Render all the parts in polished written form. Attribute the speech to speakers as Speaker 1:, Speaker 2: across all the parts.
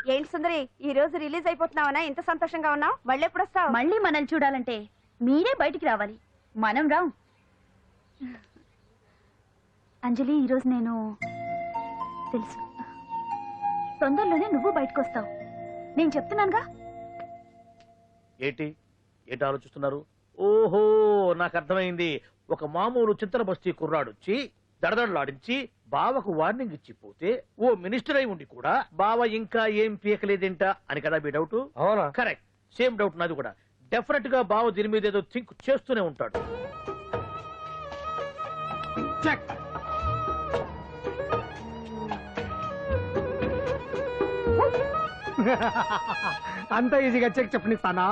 Speaker 1: ఏంటి సుందరి, ఈ రోజు రిలీజ్ అయిపోతున్నావనా? ఇంత సంతోషంగా ఉన్నావు? మళ్ళీ ఎప్పుడు వస్తావు?
Speaker 2: మళ్ళీ మనల్ని చూడాలంటే మీరే బయటికి రావాలి, మనం రాం. అంజలి, ఈరోజు నేను తెలుసు తొందరలోనే నువ్వు బయటకు వస్తావు, నేను చెప్తున్నానుగా.
Speaker 3: ఏంటి ఏంటి ఆలోచిస్తున్నారు? ఓహో, నాకు అర్థమైంది. ఒక మామూలు చింతన బస్తీ కుర్రాడొచ్చి దడదడలాడించి బావకు వార్నింగ్ ఇచ్చిపోతే ఓ మినిస్టర్ అయి ఉండి కూడా బావ ఇంకా ఏం పీకలేదేంట అని కదా మీ డౌట్?
Speaker 4: అవునా?
Speaker 3: కరెక్ట్, సేమ్ డౌట్ నాది కూడా. డెఫినెట్ గా బావ దీని మీద ఏదో థింక్ చేస్తూనే ఉంటాడు.
Speaker 4: అంత ఈజీగా చెక్ చెప్పనిస్తానా?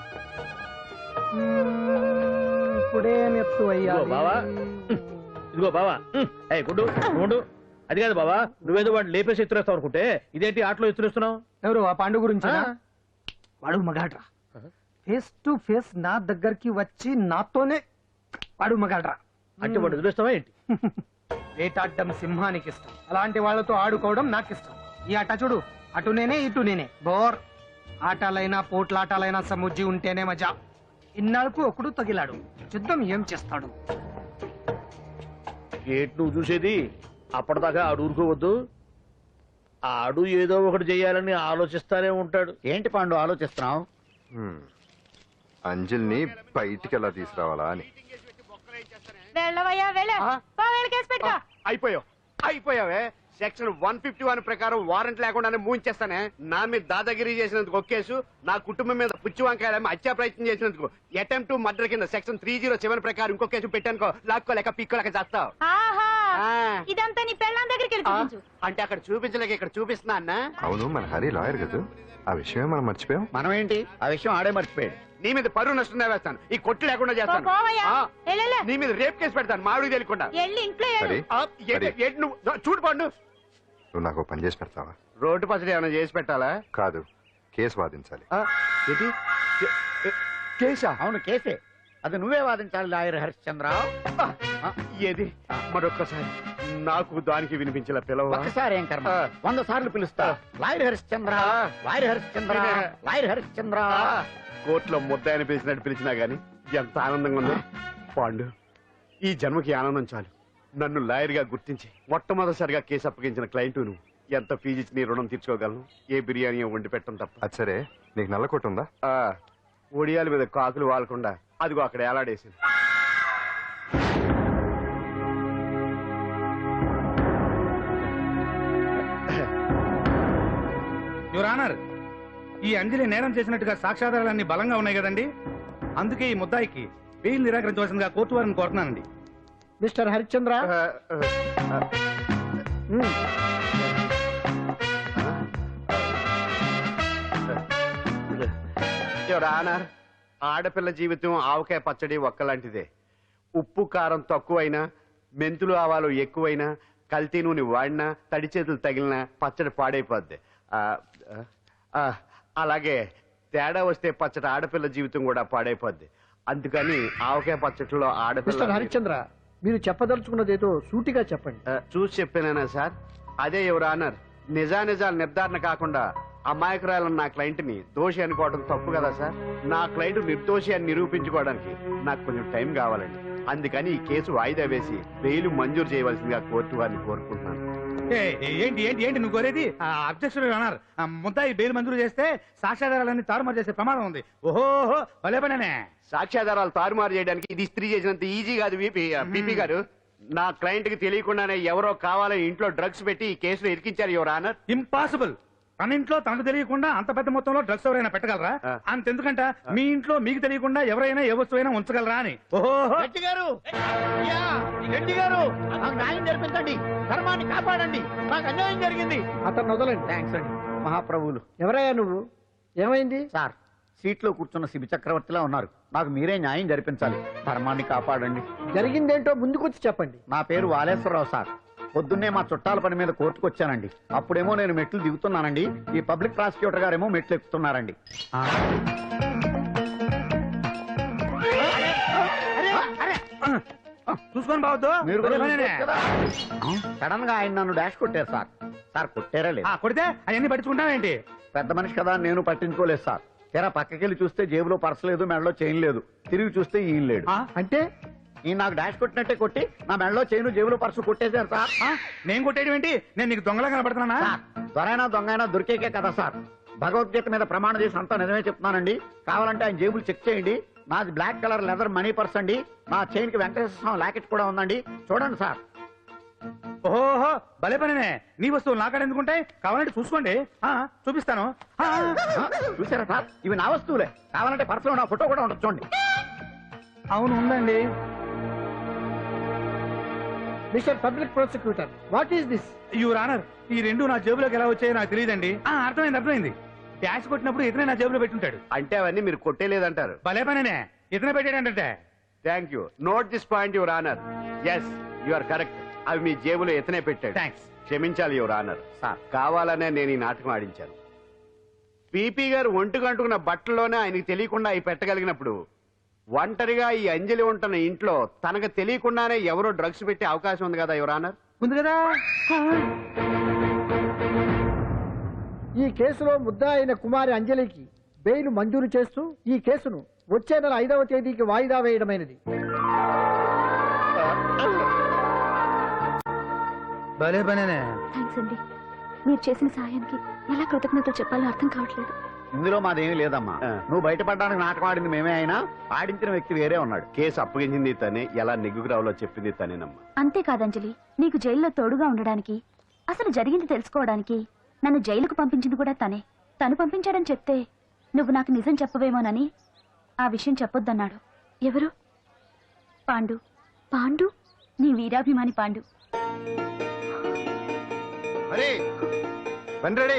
Speaker 4: ఇప్పుడే నెత్తు అయ్యా
Speaker 3: బావా, ఇదిగో బావా. గుడ్డు గుడ్డు, అది కాదు బావా, నువ్వేదో వాడిని లేపేసి ఎత్తురేస్తావు అనుకుంటే ఇదేంటి ఆటలో ఎత్తురేస్తున్నావు?
Speaker 4: ఎవరు ఆ పాండు గురించి? వాడు మగాడ్రా, ఫేస్ టు ఫేస్ నా దగ్గరికి వచ్చి నాతోనే వాడు మగాడ్రా.
Speaker 3: అంటే వాడు వదిలేస్తావా ఏంటి?
Speaker 4: వేటాడ్డం సింహానికి ఇష్టం, అలాంటి వాళ్ళతో ఆడుకోవడం నాకు ఇష్టం. ఈ ఆట చూడు, అటు నేనే ఇటు నేనే, బోర్. ఆటలైనా పోట్లాటాలైనా సముజ్జి ఉంటేనే మజా. ఇన్నాళ్ళకు ఒకడు తగిలాడు, యుద్ధం ఏం చేస్తాడు?
Speaker 3: ఏంటి నువ్వు చూసేది? అప్పటిదాకా ఆడు ఊరుకోవద్దు. ఆడు ఏదో ఒకటి చెయ్యాలని ఆలోచిస్తానే ఉంటాడు.
Speaker 5: ఏంటి పాండు ఆలోచిస్తున్నావు?
Speaker 6: అంజలిని బయటికి ఎలా తీసుకురావాలా అని.
Speaker 7: అయిపోయావే. సెక్షన్ 151 ప్రకారం వారెంట్ లేకుండానే మూయించేస్తానే. నా మీద దాదాగిరి చేసినందుకు ఒక కేసు, నా కుటుంబం మీద పుచ్చి వంకాయలేమో హత్యా ప్రయత్నం చేసినందుకు అటెంప్ట్ టు మర్డర్ కింద సెక్షన్ 307 ప్రకారం ఇంకో కేసు పెట్టానుకో, లాక్కోలేక పిక్కోలేక చేస్తావు.
Speaker 2: ఇదంతా నీ పెళ్ళాం దగ్గరికి
Speaker 7: అంటే అక్కడ చూపించలేక ఇక్కడ చూపిస్తున్నా అన్న.
Speaker 6: అవును, మన హరి లాయర్ కదా, ఆ విషయమే మనం మర్చిపోయాం.
Speaker 5: మనం ఏంటి ఆ విషయం ఆడే మర్చిపోయాడు.
Speaker 7: నీ మీద పరువు నష్టం వేస్తాను, ఈ కొట్టు లేకుండా చేస్తాను. నీ మీద రేప్ కేసు పెడతాను మాడికి తెలియకుండా. చూడు పండు,
Speaker 6: నువ్వు నాకు పని చేసి పెడతావా?
Speaker 7: రోడ్డు పసడి ఏమైనా చేసి పెట్టాలా?
Speaker 6: కాదు, కేసు వాదించాలి.
Speaker 7: కేసా?
Speaker 5: అవును కేసే, అది నువ్వే వాదించాలి లాయర్ హరిశ్చంద్ర.
Speaker 7: ఏది మరొక్కసారి నాకు దానికి వినిపించిన పిలవ.
Speaker 5: ఒకసారి ఏం కర్మ, 100 సార్లు పిలుస్తా. Lawyer Harishchandra, lawyer Harishchandra, lawyer Harishchandra.
Speaker 7: కోర్టులో ముద్దాయని పిలిచినట్టు పిలిచినా గాని ఎంత ఆనందంగా ఉందో. పాండు, ఈ జన్మకి ఆనందం చాలు. నన్ను లాయర్ గా గుర్తించి మొట్టమొదటిసారిగా కేసు అప్పగించిన క్లయింట్ నువ్వు. ఎంత ఫీజు ఇచ్చి నీ రుణం తీర్చుకోగలను? ఏ బిర్యానీ వండి పెట్టడం తప్ప.
Speaker 6: అది సరే, నీకు నల్ల కొట్టు ఉందా?
Speaker 7: ఒడియాల మీద కాకులు వాలకుండా అదిగో అక్కడ ఏలాడేసింది.
Speaker 8: యువర్ ఆనర్, ఈ అంజలి నేరం చేసినట్టుగా సాక్ష్యాధారాలన్నీ బలంగా ఉన్నాయి కదండి. అందుకే ఈ ముద్దాయికి బెయిల్ నిరాకరించవలసిందిగా కోర్టు వారిని కోరుతున్నానండి.
Speaker 4: మిస్టర్ హరిశ్చంద్ర,
Speaker 7: యువర్ ఆనర్, ఆడపిల్ల జీవితం ఆవకాయ పచ్చడి ఒక్కలాంటిదే. ఉప్పు కారం తక్కువైనా, మెంతులు ఆవాలు ఎక్కువైనా, కల్తీ నూనె వాడినా, తడి చేతులు తగిలినా పచ్చడి పాడైపోద్ది. అలాగే తేడా వస్తే పచ్చడి ఆడపిల్ల జీవితం కూడా పాడైపోద్ది. అందుకని ఆవకాయ పచ్చడిలో ఆడపిల్ల.
Speaker 4: హరిశ్చంద్ర, మీరు చెప్పదలుచుకున్నదేదో సూటిగా చెప్పండి.
Speaker 7: చూసి చెప్పానా సార్? అదే యువర్ ఆనర్, నిజానిజాలు నిర్ధారణ కాకుండా అమాయకురాలన్న నా క్లయింట్ ని దోషి అనుకోవడం తప్పు కదా సార్? నా క్లయింట్ నిర్దోషి అని నిరూపించుకోవడానికి నాకు కొంచెం టైం కావాలండి. అందుకని ఈ కేసు వాయిదా వేసి బెయిల్ మంజూరు చేయవలసిందిగా కోర్టు వారిని కోరుకుంటున్నాను.
Speaker 8: ఏంటి ఏంటి ఏంటి నువ్వు కోరేది? అబ్జెక్షన్ యువర్ ఆనర్, ముద్దాయి బెయిల్ మంజూరు చేస్తే సాక్ష్యాధారాలన్నీ తారుమారు చేసే ప్రమాదం ఉంది. ఓహో భలే పనేనే.
Speaker 7: సాక్ష్యాధారాలు తారుమారు చేయడానికి ఇది స్త్రీ చేసినంత ఈజీ కాదు బీపీ గారు. నా క్లయింట్ కి తెలియకుండానే ఎవరో కావాలని ఇంట్లో డ్రగ్స్ పెట్టి ఈ కేసులో ఇరికించారు యువర్ ఆనర్.
Speaker 8: ఇంపాసిబుల్. తన ఇంట్లో తనకు తెలియకుండా అంత పెద్ద మొత్తంలో డ్రగ్స్ ఎవరైనా పెట్టగలరా? అంతెందుకంట మీ ఇంట్లో మీకు తెలియకుండా ఎవరైనా ఏ వస్తువైనా ఉంచగలరా అని. ఓహో
Speaker 5: రెడ్డి గారు, రెడ్డి గారు, నాకు న్యాయం జరిపించండి, ధర్మాన్ని కాపాడండి, నాకు అన్యాయం జరిగింది.
Speaker 4: అతను వదలండి.
Speaker 5: థ్యాంక్స్ అండి మహాప్రభువులు.
Speaker 4: ఎవరయ్యా నువ్వు? ఏమైంది
Speaker 5: సార్? సీట్లో కూర్చున్న శిబి చక్రవర్తిలా ఉన్నారు, నాకు మీరే న్యాయం జరిపించాలి, ధర్మాన్ని కాపాడండి.
Speaker 4: జరిగిందేంటో ముందుకొచ్చి చెప్పండి.
Speaker 5: నా పేరు వాలేశ్వరరావు సార్. పొద్దున్నే మా చుట్టాల పని మీద కోర్టుకు వచ్చానండి. అప్పుడేమో నేను మెట్లు దిగుతున్నానండి, ఈ పబ్లిక్ ప్రాసిక్యూటర్ గారేమో మెట్లు ఎక్కుతున్నారండి.
Speaker 8: చూసుకొని బావద్దు.
Speaker 5: మీరు సడన్ గా ఆయన నన్ను డాష్ కొట్టారు సార్. సార్ కొట్టారా లేదు?
Speaker 8: కొడితే అవన్నీ పట్టించుకుంటావేంటి?
Speaker 5: పెద్ద మనిషి కదా అని నేను పట్టించుకోలేదు సార్. తెర పక్కకెళ్ళి చూస్తే జేబులో పర్స్ లేదు, మెడలో చైన్ లేదు. తిరిగి చూస్తే ఈయన లేడు.
Speaker 4: అంటే
Speaker 5: ఈ నాకు డాష్ కొట్టినట్టే కొట్టి నా మెడలో చైన్ జేబులో పర్సు కొట్టేశారు సార్.
Speaker 8: నేను కొట్టేయడం ఏంటి? నేను నీకు దొంగలా కనబడుతున్నానా?
Speaker 5: సార్ దొరైనా దొంగైనా దొరికేకే కదా సార్. భగవద్గీత మీద ప్రమాణం చేసి అంతా నిజమే చెప్తున్నానండి. కావాలంటే ఆయన జేబులు చెక్ చేయండి. నాది black colour leather money purse అండి. నా చైన్ కి వెంకటేశ్వర స్వామి లాకెట్ కూడా ఉందండి. చూడండి సార్.
Speaker 8: ఓహో భలే పనినే. నీ వస్తువులు నాకాడ ఎందుకుంటాయి? కావాలంటే చూసుకోండి, చూపిస్తాను.
Speaker 5: చూసారా సార్, ఇవి నా వస్తువులే. కావాలంటే పర్సులో నా ఫోటో కూడా ఉండదు, చూడండి.
Speaker 8: అవును ఉందండి.
Speaker 4: Mr public prosecutor, what is this?
Speaker 8: Your honour, ఈ రెండు నా జేబులోకి ఎలా వచ్చాయో నాకు తెలియదండి. అర్థమైంది. డాష్ కొట్టినప్పుడు ఇతనే నా జేబులో పెట్టుంటాడు.
Speaker 7: అంటే అవన్నీ మీరు కొట్టేలేదంటారు.
Speaker 8: భలే పనినే, ఇతనే పెట్టాడంటే.
Speaker 7: Thank you. Note this point your honour. Yes you are correct. అవి మీ జేబులో ఎత్తనే పెట్టాడు.
Speaker 8: థ్యాంక్స్.
Speaker 7: క్షమించాలి యువర్ ఆనర్.
Speaker 5: సార్
Speaker 7: కావాలనే నేను ఈ నాటకం ఆడించాను. పీపీ గారు ఒంటికి అంటుకున్న బట్టల్లోనే ఆయనకి తెలియకుండా అవి పెట్టగలిగినప్పుడు ఒంటరిగా ఈ అంజలి ఉంటున్న ఇంట్లో తనకు తెలియకుండానే ఎవరో డ్రగ్స్ పెట్టే అవకాశం ఉంది కదా యువర్ ఆనర్.
Speaker 4: ఉంది కదా.
Speaker 9: ఈ కేసులో ముద్దా అయిన కుమారి అంజలికి బెయిల్ మంజూరు చేస్తూ ఈ కేసును వచ్చే నెల 5వ తేదీకి వాయిదా వేయడమైనది.
Speaker 8: భలే పనినే.
Speaker 2: థ్యాంక్స్ అండి. మీరు చేసిన సహాయానికి ఎలా కృతజ్ఞతలు చెప్పాలో అర్థం కావట్లేదు.
Speaker 5: ఇందులో మాదేమీ లేదమ్మా. నువ్వు బయటపడడానికి నాటకం ఆడింది మేమే అయినా ఆడించిన వ్యక్తి వేరే ఉన్నాడు.
Speaker 7: కేసు అప్పగించింది తనే, ఎలా నెగ్గుకు రావాలో చెప్పింది తనేనమ్మా.
Speaker 2: అంతేకాదంజలి, నీకు జైల్లో తోడుగా ఉండడానికి, అసలు జరిగింది తెలుసుకోవడానికి నన్ను జైలుకు పంపించింది కూడా తనే. తను పంపించాడని చెప్తే నువ్వు నాకు నిజం చెప్పవేమోనని ఆ విషయం చెప్పొద్దన్నాడు. ఎవరు? పాండు. పాండు, నీ వీరాభిమాని పాండు.
Speaker 6: రెడీ.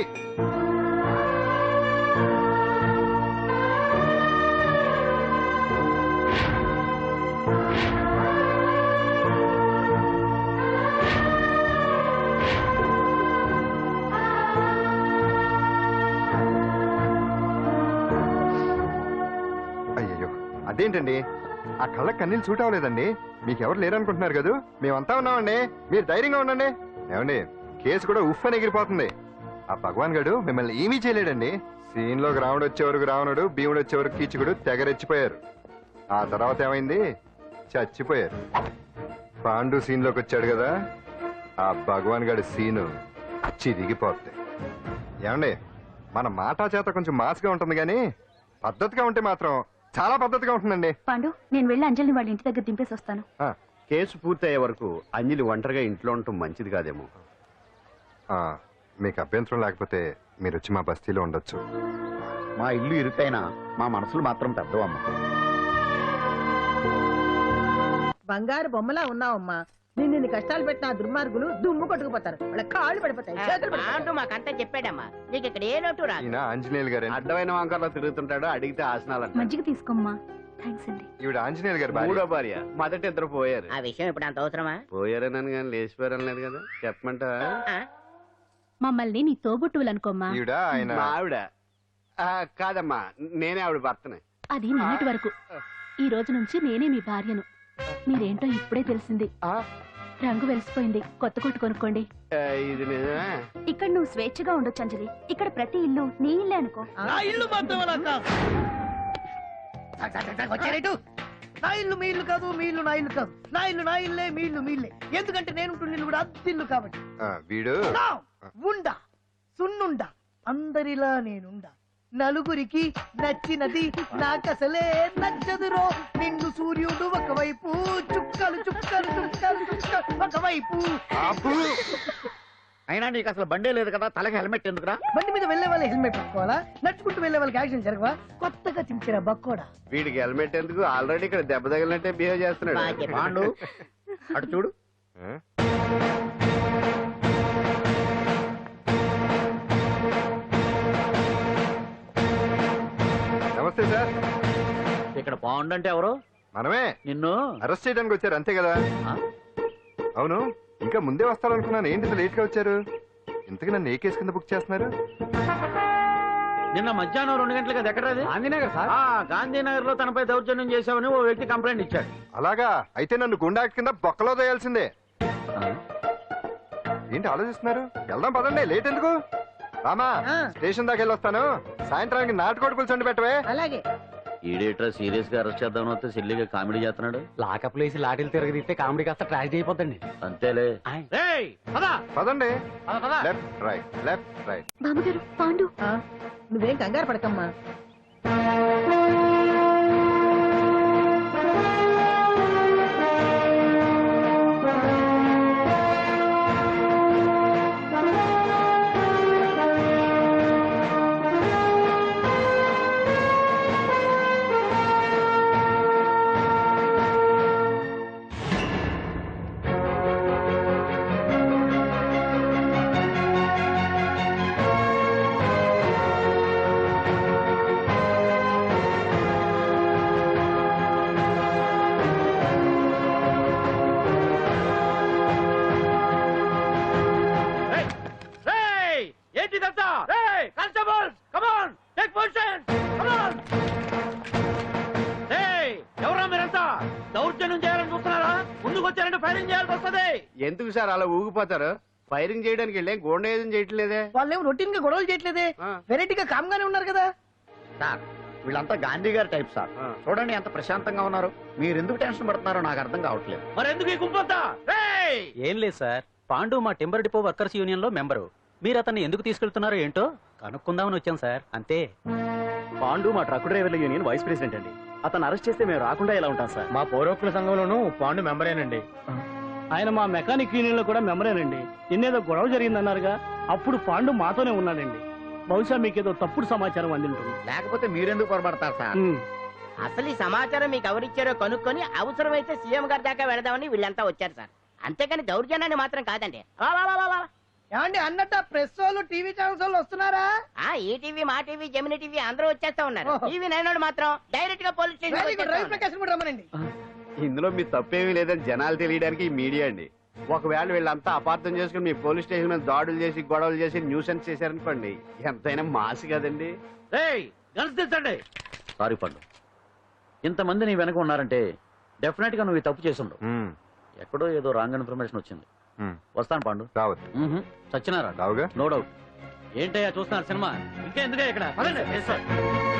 Speaker 6: అయ్యయ్యో, అదేంటండి ఆ కళ్ళకి కన్నీళ్ళు సూట్ అవ్వలేదండి. మీకెవరు లేరనుకుంటున్నారు కదా, మేమంతా ఉన్నామండి. మీరు ధైర్యంగా ఉండండి. ఏమండి, కేసు కూడా ఉఫ్ అని ఎగిరిపోతుంది. ఆ భగవాన్ గడు మిమ్మల్ని ఏమీ చేయలేడండి. సీన్ లోకి రావణుడు వచ్చే వరకు రావణుడు, భీముడు వచ్చే వరకు కీచుకుడు తెగరెచ్చిపోయారు. ఆ తర్వాత ఏమైంది? చచ్చిపోయారు. పాండు సీన్ లోకి వచ్చాడు కదా, ఆ భగవాన్ గడి సీను చిరిగిపోతుంది. ఏమండి, మన మాటా చేత కొంచెం మాస్గా ఉంటుంది కానీ పద్ధతిగా ఉంటే మాత్రం చాలా పద్ధతిగా ఉంటుందండి.
Speaker 2: పాండు, నేను వెళ్ళి అంజలిని వాళ్ళ ఇంటి దగ్గర దింపేసి వస్తాను.
Speaker 7: కేసు పూర్తయ్యే వరకు అంజలి ఒంటరిగా ఇంట్లో ఉండటం మంచిది కాదేమో.
Speaker 6: మీకు అభ్యంతరం లేకపోతే మీరు వచ్చి మా బస్తీలో ఉండొచ్చు.
Speaker 5: మా ఇల్లు ఇరుకైనా మా మనసులు మాత్రం పెద్దవమ్మ.
Speaker 10: బంగారు బొమ్మలా ఉన్నావమ్మా. నిన్ను కష్టాలు పెట్టిన ఆ దుర్మార్గులు దుమ్ము కొట్టుకుపోతారు. వాళ్ళ కాళ్ళు పడిపోతాయి, చేతులు పడిపోతాయి.
Speaker 1: మాకంతా చెప్పాడమ్మా. నీకు ఇక్కడ ఏ లోటు రాదు.
Speaker 6: ఈయన ఆంజనేయులు గారు.
Speaker 7: అడ్డమైన వంకర్లో తిరుగుతుంటాడు, అడిగితే ఆసనాలు.
Speaker 2: మజ్జిగ తీసుకోమ్మా. థ్యాంక్స్ అండి.
Speaker 6: ఈవిడ ఆంజనేయులు గారు భార్య.
Speaker 7: మూడో భార్య. మొదటి ఇద్దరు పోయారు.
Speaker 1: ఆ విషయం ఇప్పుడు అంత అవసరమా?
Speaker 7: పోయారనని కానీ లేచిపోయారని లేదు కదా. చెప్పమంటా?
Speaker 2: మమ్మల్ని నీ తోబుట్టువులనుకోమ్మా.
Speaker 6: ఈవిడ ఆయన
Speaker 7: మా ఆవిడ. కాదమ్మా, నేనే ఆవిడ భర్తనే.
Speaker 2: అది నిన్నటి వరకు. ఈ రోజు నుంచి నేనే మీ భార్యను. మీరేంటో ఇప్పుడే తెలిసింది. రంగు వెలిసిపోయింది, కొత్త కొట్టు కొనుక్కోండి.
Speaker 7: ఇది నిజమే.
Speaker 2: ఇక్కడ నువ్వు స్వేచ్ఛగా ఉండొచ్చు అంజలి. ఇక్కడ ప్రతి ఇల్లు నీ ఇల్లే అనుకో.
Speaker 3: నా ఇల్లు మాత్రం
Speaker 4: వచ్చారేటు? నా ఇల్లు మీ ఇల్లు కాదు, మీ ఇల్లు నా ఇల్లు కాదు. నా ఇల్లు నా ఇల్లే, మీ ఇల్లు మీ ఇల్లే. ఎందుకంటే నేను ఇల్లు కూడా అద్దిల్లు కాబట్టి.
Speaker 6: వీడు
Speaker 4: ఉండా సున్నుండా అందరిలా నేనుండా. నలుగురికి నచ్చినది నాకసలే నచ్చదురో. నిన్ను సూర్యుడు ఒకవైపు, చుక్కలు చుక్కలు చుక్కలు చుక్కలు ఒకవైపు.
Speaker 5: అయినా నీకు అసలు బండే లేదు కదా, తలకి హెల్మెట్ ఎందుకురా?
Speaker 4: బండి మీద వెళ్లే వాళ్ళు హెల్మెట్ పెట్టుకోవాలా? నడుచుకుంటూ వెళ్లే వాళ్ళకి యాక్సిడెంట్ జరగవా? కొత్తగా తింటారా బక్కోడా?
Speaker 7: వీడికి హెల్మెట్ ఎందుకు? ఆల్రెడీ ఇక్కడ దెబ్బ తగిలినట్టే బిహేవ్ చేస్తున్నాడు.
Speaker 5: పాండు అటు చూడు.
Speaker 6: నమస్తే సార్.
Speaker 3: ఇక్కడ పాండు అంటే ఎవరు?
Speaker 6: మనమే.
Speaker 3: నిన్ను
Speaker 6: అరెస్ట్ చేయడానికి వచ్చారు అంతే కదా? అవును, ఇంకా ముందే వస్తారనుకున్నాను. ఏంటి లేట్ గా వచ్చారు? ఇంతకు నన్ను ఏ కేసు కింద బుక్ చేస్తున్నారు?
Speaker 3: నిన్న మధ్యాహ్నం 2 గంటలకు అది ఎక్కడ?
Speaker 4: గాంధీనగర్ సార్.
Speaker 3: గాంధీనగర్ లో తనపై దౌర్జన్యం చేశామని ఓ వ్యక్తి కంప్లైంట్ ఇచ్చాడు.
Speaker 6: అలాగా? అయితే నన్ను గుండా కింద బొక్కలో తోయాల్సిందే. ఏంటి ఆలోచిస్తున్నారు? వెళ్దాం పదండి, లేట్ ఎందుకు? రామా
Speaker 10: ఆ.
Speaker 6: స్టేషన్ దాకా వెళ్ళొస్తాను. సాయంత్రానికి నాటుకోడి పులుసు పెట్టవే.
Speaker 10: అలాగే.
Speaker 5: ఈడేట్రా సీరియస్ గా అరెస్ట్ చేద్దాం వస్తే సిల్లిగా కామెడీ చేస్తున్నాడు.
Speaker 4: లాకప్ లేసి లాటిల్ తిరగదీస్తే కామెడీ కాస్త ట్రాజడీ అయిపోద్దండి.
Speaker 5: అంతేలే.
Speaker 3: రేయ్, పద.
Speaker 6: పదండి.
Speaker 3: పద, పద.
Speaker 6: Left right left right.
Speaker 2: బామ్మగారు పాండు.
Speaker 10: ఆ, నువ్వేం కంగారు పడకమ్మా.
Speaker 3: రేయ్, రేయ్, ఏంటిదంతా? రేయ్, constables, come on, take position, come on. రేయ్, ఎవరా మీరంతా? దౌర్జన్యం చేయాలని చూస్తున్నారా? ముందుకు వచ్చారంటే ఫైరింగ్ చేయాల్సి వస్తది.
Speaker 7: ఎందుకు సార్ అలా ఊగిపోతారు? ఫైరింగ్ చేయడానికి వెళ్ళే గోండేజం చేయట్లేదే.
Speaker 10: వాళ్ళేం రొటీన్ గా గొడవలు చేయట్లేదే,
Speaker 7: ఆ.
Speaker 10: వెరైటీగా కామ్గానే ఉన్నారు కదా.
Speaker 5: సార్ వీళ్ళంతా గాంధీ గారి టైప్ సార్.
Speaker 7: ఆ.
Speaker 5: చూడండి ఎంత ప్రశాంతంగా ఉన్నారు. మీరు ఎందుకు టెన్షన్ పడుతున్నారో నాకు అర్థం కావట్లేదు.
Speaker 3: మరి ఎందుకు ఈ గుంపంతా? రేయ్,
Speaker 11: ఏం లేదు సార్, పాండు మా టింబర్ డిపో వర్కర్స్ యూనియన్ లో మెంబరు. మీరు అతన్ని ఎందుకు తీసుకెళ్తున్నారో ఏంటో కనుక్కుందామని వచ్చాం సార్, అంతే. పాండు మా ట్రక్ డ్రైవర్ల యూనియన్ వైస్ ప్రెసిడెంట్ అండి. అతను అరెస్ట్ చేస్తే మేము రాకుండా ఎలా ఉంటాం సార్?
Speaker 4: మా పౌరోక్తుల సంఘంలోనూ పాండు మెంబరేనండి.
Speaker 12: ఆయన మా మెకానిక్ యూనియన్ లో కూడా మెంబరేనండి. నిన్నేదో గొడవ జరిగిందన్నారుగా, అప్పుడు పాండు మాతోనే ఉన్నాడండి. బహుశా మీకేదో తప్పుడు సమాచారం అందింటుంది.
Speaker 5: లేకపోతే మీరెందుకు పొరపడతారు సార్?
Speaker 13: అసలు ఈ సమాచారం మీకు ఎవరిచ్చారో కనుక్కొని అవసరమైతే సీఎం గారి దాకా వెళదామని వీళ్ళంతా వచ్చారు సార్. అంతేకాని దౌర్జన్యాన్ని మాత్రం కాదండి.
Speaker 10: ఏమండి అన్నట్టు ప్రెస్ వాళ్ళు టీవీ ఛానల్స్ వాళ్ళు వస్తున్నారా?
Speaker 13: ఈ టీవీ, మా టీవీ, జెమిని టీవీ అందరూ వచ్చేస్తా ఉన్నారు.
Speaker 10: ఓహో.
Speaker 13: టీవీ నైన్ మాత్రం డైరెక్ట్ గా police
Speaker 10: very good, Ravi
Speaker 13: station.
Speaker 10: Prakasam కూడా రమ్మనండి.
Speaker 7: ఇందులో మీ తప్పేమీ లేదని జనాలు తెలియడానికి ఈ మీడియా అండి. ఒకవేళ వీళ్ళంతా అపార్థం చేసుకుని మీ పోలీస్ స్టేషన్ మీద దాడులు చేసి గొడవలు చేసి న్యూసెన్స్ చేశారనుకోండి, ఎంతైనా మాసి కదండి.
Speaker 3: రేయ్, గన్స్ దించండి.
Speaker 5: సారీ పండు, ఇంతమంది నీ వెనక ఉన్నారంటే డెఫినెట్ గా నువ్వు ఈ తప్పు చేసుండవు. ఎక్కడో ఏదో రాంగ్ ఇన్ఫర్మేషన్ వచ్చింది. వస్తాను పాండు.
Speaker 6: రావద్దు.
Speaker 5: సత్యనారాయణ
Speaker 6: రావుగా.
Speaker 5: No doubt.
Speaker 11: ఏంటయ్యా చూస్తున్నారు సినిమా?
Speaker 3: ఇంకెందుకే ఇక్కడ? పదండి.